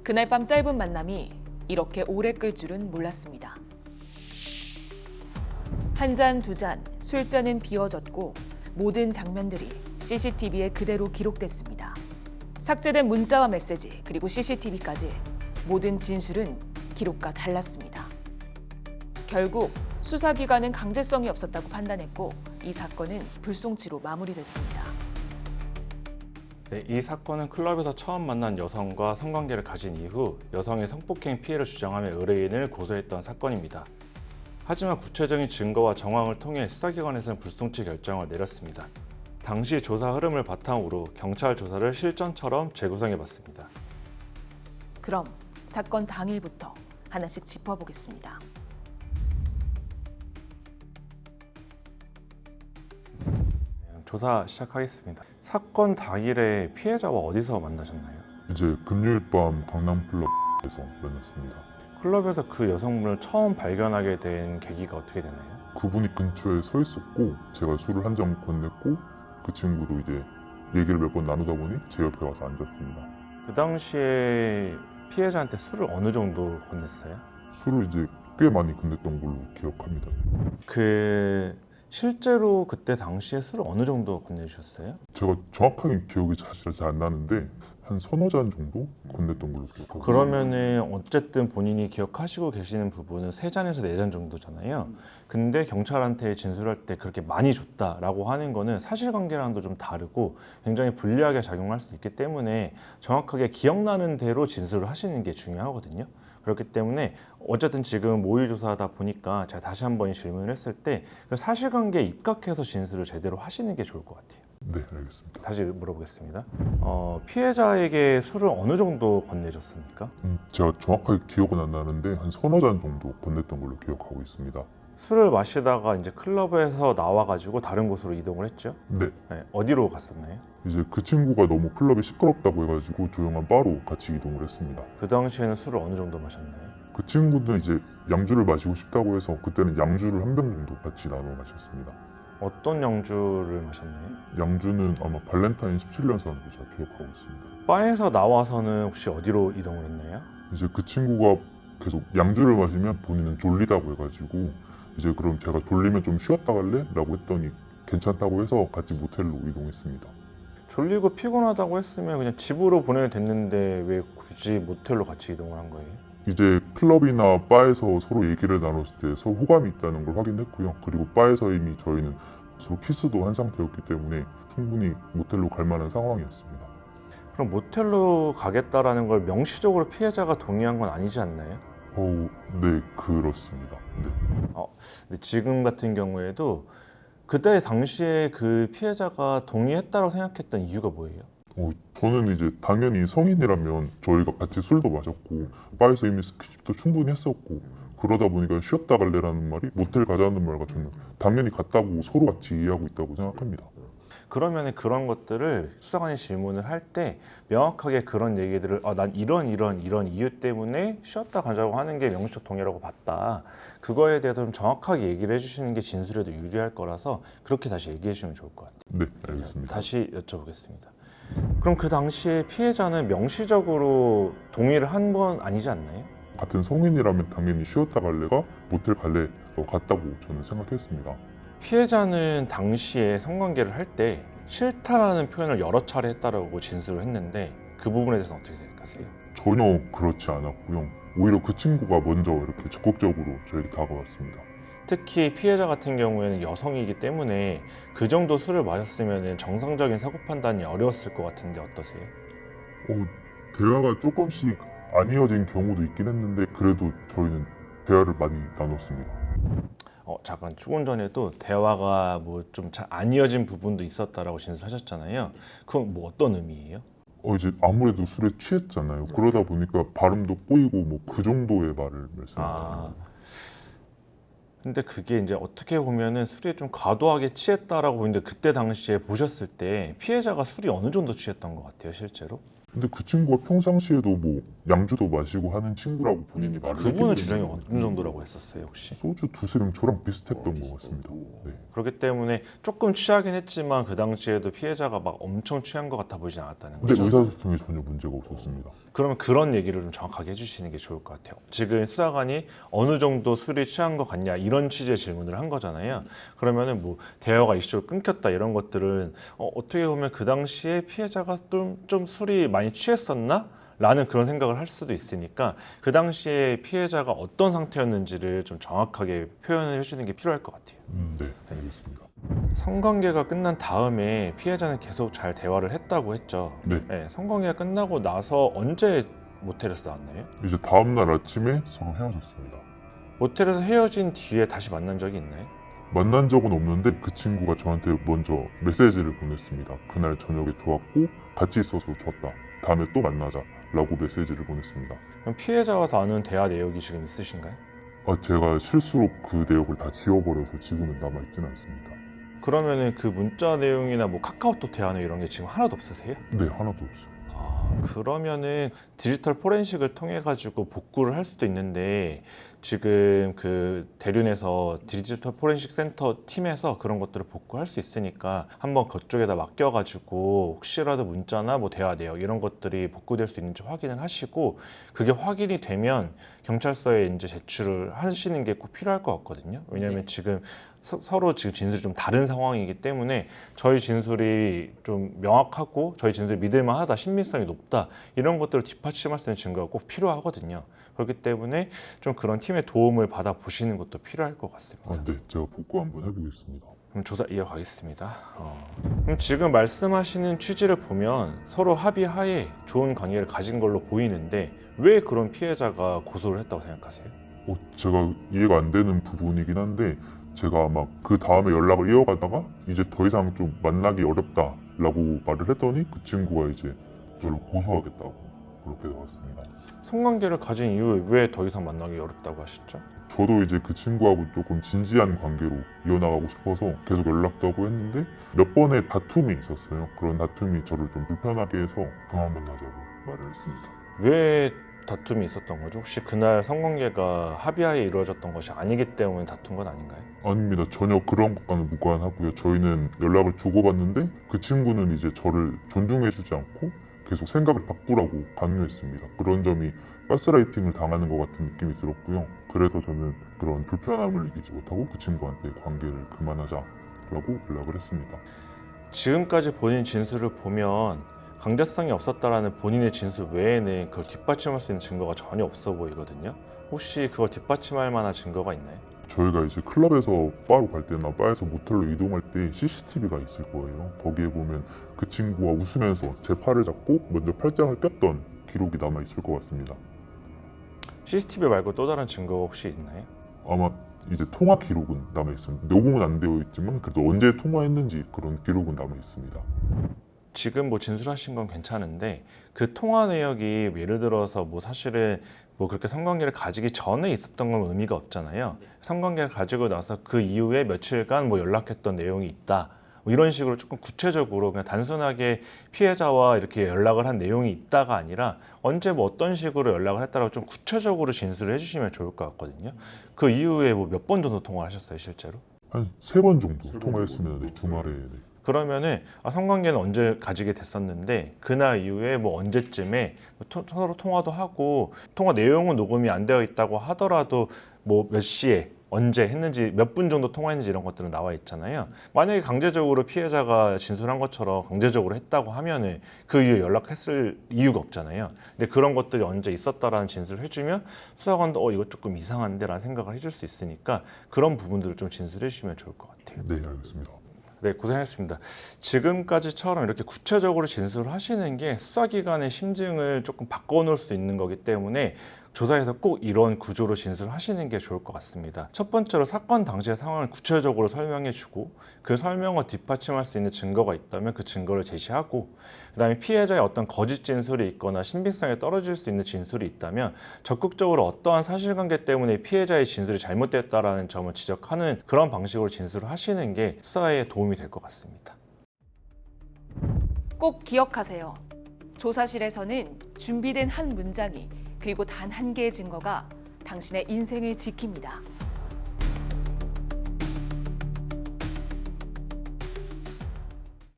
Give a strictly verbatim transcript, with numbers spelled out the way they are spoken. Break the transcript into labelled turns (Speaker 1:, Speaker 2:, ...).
Speaker 1: 그날 밤 짧은 만남이 이렇게 오래 끌 줄은 몰랐습니다. 한 잔, 두 잔, 술잔은 비워졌고 모든 장면들이 씨씨티비에 그대로 기록됐습니다. 삭제된 문자와 메시지 그리고 씨씨티비까지 모든 진술은 기록과 달랐습니다. 결국 수사기관은 강제성이 없었다고 판단했고 이 사건은 불송치로 마무리됐습니다.
Speaker 2: 네, 이 사건은 클럽에서 처음 만난 여성과 성관계를 가진 이후 여성의 성폭행 피해를 주장하며 의뢰인을 고소했던 사건입니다. 하지만 구체적인 증거와 정황을 통해 수사기관에서는 불송치 결정을 내렸습니다. 당시 조사 흐름을 바탕으로 경찰 조사를 실전처럼 재구성해봤습니다.
Speaker 1: 그럼 사건 당일부터 하나씩 짚어보겠습니다.
Speaker 2: 조사 시작하겠습니다. 사건 당일에 피해자와 어디서 만나셨나요?
Speaker 3: 이제 금요일 밤 강남 클럽에서 만났습니다.
Speaker 2: 클럽에서 그 여성분을 처음 발견하게 된 계기가 어떻게 되나요?
Speaker 3: 그분이 근처에 서 있었고 제가 술을 한 잔 건넸고 그 친구도 이제 얘기를 몇 번 나누다 보니 제 옆에 와서 앉았습니다.
Speaker 2: 그 당시에 피해자한테 술을 어느 정도 건넸어요?
Speaker 3: 술을 이제 꽤 많이 건넸던 걸로 기억합니다.
Speaker 2: 그 실제로 그때 당시에 술을 어느 정도 건네주셨어요?
Speaker 3: 제가 정확하게 기억이 사실 잘 안 나는데 한 서너 잔 정도 건넸던 걸로 기억하고
Speaker 2: 그러면은 어쨌든 본인이 기억하시고 계시는 부분은 세 잔에서 네 잔 정도잖아요. 근데 경찰한테 진술할 때 그렇게 많이 줬다라고 하는 거는 사실관계랑도 좀 다르고 굉장히 불리하게 작용할 수 있기 때문에 정확하게 기억나는 대로 진술을 하시는 게 중요하거든요. 그렇기 때문에 어쨌든 지금 모의 조사하다 보니까 제가 다시 한번 질문을 했을 때 그 사실관계에 입각해서 진술을 제대로 하시는 게 좋을 것 같아요.
Speaker 3: 네, 알겠습니다.
Speaker 2: 다시 물어보겠습니다. 어, 피해자에게 술을 어느 정도 건네줬습니까?
Speaker 3: 음, 제가 정확하게 기억은 안 나는데 한 서너 잔 정도 건넸던 걸로 기억하고 있습니다.
Speaker 2: 술을 마시다가 이제 클럽에서 나와가지고 다른 곳으로 이동을 했죠.
Speaker 3: 네,
Speaker 2: 네, 어디로 갔었나요?
Speaker 3: 이제 그 친구가 너무 클럽이 시끄럽다고 해가지고 조용한 바로 같이 이동을 했습니다.
Speaker 2: 그 당시에는 술을 어느 정도 마셨나요?
Speaker 3: 그 친구는 이제 양주를 마시고 싶다고 해서 그때는 양주를 한 병 정도 같이 나눠 마셨습니다.
Speaker 2: 어떤 양주를 마셨나요?
Speaker 3: 양주는 아마 발렌타인 십칠 년산으로 제가 기억하고 있습니다.
Speaker 2: 바에서 나와서는 혹시 어디로 이동을 했나요?
Speaker 3: 이제 그 친구가 계속 양주를 마시면 본인은 졸리다고 해가지고 이제 그럼 제가 졸리면 좀 쉬었다 갈래? 라고 했더니 괜찮다고 해서 같이 모텔로 이동했습니다.
Speaker 2: 졸리고 피곤하다고 했으면 그냥 집으로 보내도 됐는데 왜 굳이 모텔로 같이 이동을 한 거예요?
Speaker 3: 이제 클럽이나 바에서 서로 얘기를 나눴을 때 서로 호감이 있다는 걸 확인했고요. 그리고 바에서 이미 저희는 서로 키스도 한 상태였기 때문에 충분히 모텔로 갈 만한 상황이었습니다.
Speaker 2: 그럼 모텔로 가겠다라는 걸 명시적으로 피해자가 동의한 건 아니지 않나요?
Speaker 3: 어, 네, 그렇습니다. 네.
Speaker 2: 근데 지금 같은 경우에도 그때 당시에 그 피해자가 동의했다고 생각했던 이유가 뭐예요?
Speaker 3: 어, 저는 이제 당연히 성인이라면 저희가 같이 술도 마셨고 바에서 이미 스킨십도 충분히 했었고 그러다 보니까 쉬었다 갈래라는 말이 모텔 가자는 말과 저는 당연히 같다고 서로 같이 이해하고 있다고 생각합니다.
Speaker 2: 그러면 그런 것들을 수사관이 질문을 할 때 명확하게 그런 얘기들을 아, 난 이런 이런 이런 이유 때문에 쉬었다 가자고 하는 게 명시적 동의라고 봤다. 그거에 대해서 좀 정확하게 얘기를 해주시는 게 진술에도 유리할 거라서 그렇게 다시 얘기해 주시면 좋을 것 같아요.
Speaker 3: 네, 알겠습니다.
Speaker 2: 다시 여쭤보겠습니다. 그럼 그 당시에 피해자는 명시적으로 동의를 한 건 아니지 않나요?
Speaker 3: 같은 성인이라면 당연히 쉬었다 갈래가 모텔 갈래 같다고 저는 생각했습니다.
Speaker 2: 피해자는 당시에 성관계를 할 때 싫다라는 표현을 여러 차례 했다라고 진술을 했는데 그 부분에 대해서는 어떻게 생각하세요?
Speaker 3: 전혀 그렇지 않았고요. 오히려 그 친구가 먼저 이렇게 적극적으로 저에게 다가왔습니다.
Speaker 2: 특히 피해자 같은 경우에는 여성이기 때문에 그 정도 술을 마셨으면 정상적인 사고 판단이 어려웠을 것 같은데 어떠세요?
Speaker 3: 어, 대화가 조금씩 안 이어진 경우도 있긴 했는데 그래도 저희는 대화를 많이 나눴습니다.
Speaker 2: 어, 잠깐 조금 전에도 대화가 뭐 좀 잘 안 이어진 부분도 있었다라고 진술하셨잖아요. 그건 뭐 어떤 의미예요?
Speaker 3: 어, 이제 아무래도 술에 취했잖아요. 그러다 보니까 발음도 꼬이고 뭐 그 정도의 말을 말씀드립니다.
Speaker 2: 아, 근데 그게 이제 어떻게 보면은 술에 좀 과도하게 취했다라고 보이는데 그때 당시에 보셨을 때 피해자가 술이 어느 정도 취했던 것 같아요, 실제로?
Speaker 3: 근데 그 친구가 평상시에도 뭐 양주도 마시고 하는 친구라고 본인이 말을
Speaker 2: 그분의
Speaker 3: 했기
Speaker 2: 주장이
Speaker 3: 때문에
Speaker 2: 어느 정도라고 했었어요, 혹시?
Speaker 3: 소주 두세 병 저랑 비슷했던 것 같습니다. 네.
Speaker 2: 그렇기 때문에 조금 취하긴 했지만 그 당시에도 피해자가 막 엄청 취한 것 같아 보이진 않았다는
Speaker 3: 근데
Speaker 2: 거죠.
Speaker 3: 의사소통에 전혀 문제가 없었습니다.
Speaker 2: 그러면 그런 얘기를 좀 정확하게 해주시는 게 좋을 것 같아요. 지금 수사관이 어느 정도 술이 취한 것 같냐 이런 취지의 질문을 한 거잖아요. 그러면은 뭐 대화가 이슈로 끊겼다 이런 것들은 어, 어떻게 보면 그 당시에 피해자가 좀, 좀 술이 많이 취했었나? 라는 그런 생각을 할 수도 있으니까 그 당시에 피해자가 어떤 상태였는지를 좀 정확하게 표현을 해주는 게 필요할 것 같아요.
Speaker 3: 음, 네, 알겠습니다.
Speaker 2: 성관계가 끝난 다음에 피해자는 계속 잘 대화를 했다고 했죠.
Speaker 3: 네.
Speaker 2: 네, 성관계가 끝나고 나서 언제 모텔에서 나왔나요?
Speaker 3: 이제 다음날 아침에 서로 헤어졌습니다.
Speaker 2: 모텔에서 헤어진 뒤에 다시 만난 적이 있나요?
Speaker 3: 만난 적은 없는데 그 친구가 저한테 먼저 메시지를 보냈습니다. 그날 저녁에 좋았고 같이 있어서 좋았다. 다음에 또 만나자 라고 메시지를 보냈습니다.
Speaker 2: 그럼 피해자와 나눈 대화 내역이 지금 있으신가요?
Speaker 3: 아, 제가 실수로 그 내역을 다 지워버려서 지금은 남아있지는 않습니다.
Speaker 2: 그러면은 그 문자 내용이나 뭐 카카오톡 대화 내용 이런 게 지금 하나도 없으세요?
Speaker 3: 네, 하나도 없어요.
Speaker 2: 아, 그러면은 디지털 포렌식을 통해 가지고 복구를 할 수도 있는데 지금 그 대륜에서 디지털 포렌식 센터 팀에서 그런 것들을 복구할 수 있으니까 한번 그쪽에다 맡겨 가지고 혹시라도 문자나 뭐 대화 내역 이런 것들이 복구될 수 있는지 확인을 하시고 그게 확인이 되면 경찰서에 이제 제출을 하시는 게 꼭 필요할 것 같거든요. 왜냐하면 지금 서, 서로 지금 진술이 좀 다른 상황이기 때문에 저희 진술이 좀 명확하고 저희 진술이 믿을만하다, 신빙성이 높다 이런 것들을 뒷받침할 수 있는 증거가 꼭 필요하거든요. 그렇기 때문에 좀 그런 팀의 도움을 받아 보시는 것도 필요할 것 같습니다.
Speaker 3: 아, 네, 제가 복구 한번 해보겠습니다.
Speaker 2: 그럼 조사 이어가겠습니다. 어. 그럼 지금 말씀하시는 취지를 보면 서로 합의하에 좋은 관계를 가진 걸로 보이는데 왜 그런 피해자가 고소를 했다고 생각하세요?
Speaker 3: 어, 제가 이해가 안 되는 부분이긴 한데 제가 아마 그 다음에 연락을 이어가다가 이제 더 이상 좀 만나기 어렵다라고 말을 했더니 그 친구가 이제 저를 고소하겠다고 그렇게 나왔습니다.
Speaker 2: 성관계를 가진 이후에 왜 더 이상 만나기 어렵다고 하셨죠?
Speaker 3: 저도 이제 그 친구하고 조금 진지한 관계로 이어나가고 싶어서 계속 연락도 하고 했는데 몇 번의 다툼이 있었어요. 그런 다툼이 저를 좀 불편하게 해서 그만 만나자고 말을 했습니다.
Speaker 2: 왜 다툼이 있었던 거죠? 혹시 그날 성관계가 합의하에 이루어졌던 것이 아니기 때문에 다툰 건 아닌가요?
Speaker 3: 아닙니다. 전혀 그런 것과는 무관하고요. 저희는 연락을 주고받는데 그 친구는 이제 저를 존중해주지 않고 계속 생각을 바꾸라고 강요했습니다. 그런 점이 가스라이팅을 당하는 것 같은 느낌이 들었고요. 그래서 저는 그런 불편함을 이기지 못하고 그 친구한테 관계를 그만하자라고 연락을 했습니다.
Speaker 2: 지금까지 본인 진술을 보면 강제성이 없었다라는 본인의 진술 외에는 그걸 뒷받침할 수 있는 증거가 전혀 없어 보이거든요. 혹시 그걸 뒷받침할 만한 증거가 있나요?
Speaker 3: 저희가 이제 클럽에서 바로 갈 때나 바에서 모텔로 이동할 때 씨씨티비가 있을 거예요. 거기에 보면 그 친구가 웃으면서 제 팔을 잡고 먼저 팔짱을 꼈던 기록이 남아 있을 것 같습니다.
Speaker 2: 씨씨티비 말고 또 다른 증거가 혹시 있나요?
Speaker 3: 아마 이제 통화 기록은 남아 있습니다. 녹음은 안 되어 있지만 그래도 언제 통화했는지 그런 기록은 남아 있습니다.
Speaker 2: 지금 뭐 진술하신 건 괜찮은데 그 통화 내역이 예를 들어서 뭐 사실은 뭐 그렇게 성관계를 가지기 전에 있었던 건 의미가 없잖아요. 성관계를 가지고 나서 그 이후에 며칠간 뭐 연락했던 내용이 있다. 뭐 이런 식으로 조금 구체적으로 그냥 단순하게 피해자와 이렇게 연락을 한 내용이 있다가 아니라 언제 뭐 어떤 식으로 연락을 했다라고 좀 구체적으로 진술을 해주시면 좋을 것 같거든요. 그 이후에 뭐 몇 번 정도 통화를 하셨어요, 실제로?
Speaker 3: 한 세 번 정도 통화했으면 네, 주말에 네.
Speaker 2: 그러면은 아, 성관계는 언제 가지게 됐었는데 그날 이후에 뭐 언제쯤에 토, 서로 통화도 하고 통화 내용은 녹음이 안 되어 있다고 하더라도 뭐 몇 시에 언제 했는지 몇 분 정도 통화했는지 이런 것들은 나와 있잖아요. 만약에 강제적으로 피해자가 진술한 것처럼 강제적으로 했다고 하면은 그 이후에 연락했을 이유가 없잖아요. 근데 그런 것들이 언제 있었다라는 진술을 해주면 수사관도 어 이거 조금 이상한데라는 생각을 해줄 수 있으니까 그런 부분들을 좀 진술해 주시면 좋을 것 같아요.
Speaker 3: 네, 알겠습니다.
Speaker 2: 네, 고생하셨습니다. 지금까지처럼 이렇게 구체적으로 진술을 하시는 게 수사기관의 심증을 조금 바꿔놓을 수 있는 거기 때문에 조사에서 꼭 이런 구조로 진술을 하시는 게 좋을 것 같습니다. 첫 번째로 사건 당시의 상황을 구체적으로 설명해 주고 그 설명을 뒷받침할 수 있는 증거가 있다면 그 증거를 제시하고 그다음에 피해자의 어떤 거짓 진술이 있거나 신빙성이 떨어질 수 있는 진술이 있다면 적극적으로 어떠한 사실관계 때문에 피해자의 진술이 잘못됐다라는 점을 지적하는 그런 방식으로 진술을 하시는 게 수사에 도움이 될 것 같습니다.
Speaker 1: 꼭 기억하세요. 조사실에서는 준비된 한 문장이 그리고 단 한 개의 증거가 당신의 인생을 지킵니다.